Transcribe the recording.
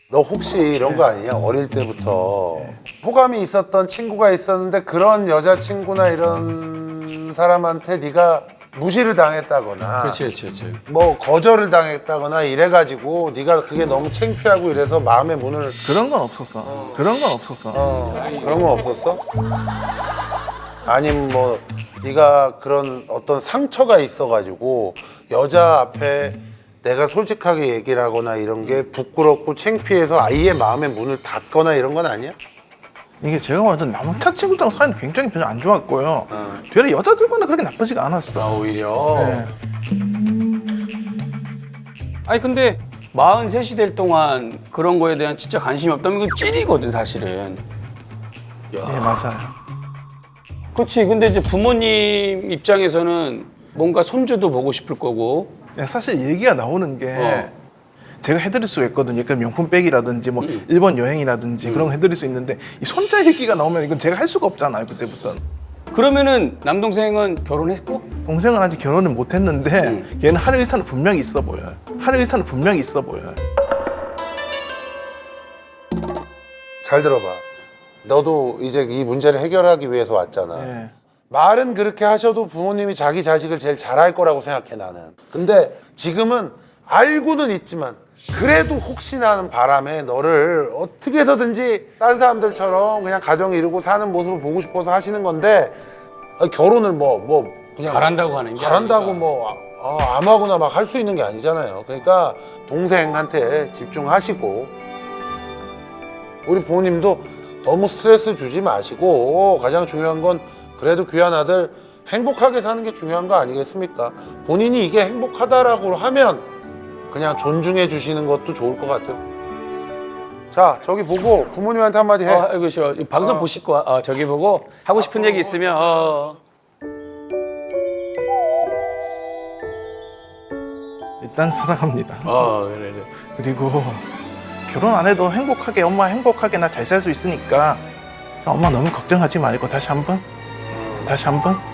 너 혹시 이런 거 아니냐? 어릴 때부터 호감이 있었던 친구가 있었는데 그런 여자친구나 이런 사람한테 네가 무시를 당했다거나 그렇지. 뭐 거절을 당했다거나 이래가지고 네가 그게 너무 창피하고 이래서 마음의 문을 그런 건 없었어. 그런 건 없었어. 그런 건 없었어? 아니면 뭐 네가 그런 어떤 상처가 있어가지고 여자 앞에 내가 솔직하게 얘기를 하거나 이런 게 부끄럽고 창피해서 아예 마음의 문을 닫거나 이런 건 아니야? 이게 제가 완전 남자 친구랑 사이는 굉장히 별로 안 좋았고요. 되려 여자들과는 그렇게 나쁘지가 않았어. 오히려. 네. 아니 근데 43이 될 동안 그런 거에 대한 진짜 관심이 없다면 이건 찔이거든 사실은. 예, 맞아요. 그렇지. 근데 이제 부모님 입장에서는 뭔가 손주도 보고 싶을 거고. 예, 사실 얘기가 나오는 게 제가 해드릴 수가 있거든요. 그러니까 명품백이라든지 뭐 일본 여행이라든지 그런 거 해드릴 수 있는데 이 손자 얘기가 나오면 이건 제가 할 수가 없잖아요. 그때부터는. 그러면은 남동생은 결혼했고? 동생은 아직 결혼을 못했는데 걔는 할 의사는 분명히 있어 보여요. 할 의사는 분명히 있어 보여요. 잘 들어봐. 너도 이제 이 문제를 해결하기 위해서 왔잖아. 예. 말은 그렇게 하셔도 부모님이 자기 자식을 제일 잘할 거라고 생각해 나는. 근데 지금은 알고는 있지만 그래도 혹시나 하는 바람에 너를 어떻게 해서든지 다른 사람들처럼 그냥 가정 이루고 사는 모습을 보고 싶어서 하시는 건데 결혼을 뭐 그냥 잘한다고 하는 게 잘한다고 아니니까. 뭐 아무하고나 막 할 수 있는 게 아니잖아요. 그러니까 동생한테 집중하시고 우리 부모님도 너무 스트레스 주지 마시고 가장 중요한 건 그래도 귀한 아들 행복하게 사는 게 중요한 거 아니겠습니까? 본인이 이게 행복하다라고 하면 그냥 존중해 주시는 것도 좋을 것 같아요. 자, 저기 보고 부모님한테 한마디 해. 아이고 저 방송 보실 거야. 저기 보고 하고 싶은 얘기 있으면 일단 사랑합니다. 그래. 그리고 결혼 안 해도 행복하게 엄마 행복하게 나 잘 살 수 있으니까 엄마 너무 걱정하지 말고 다시 한번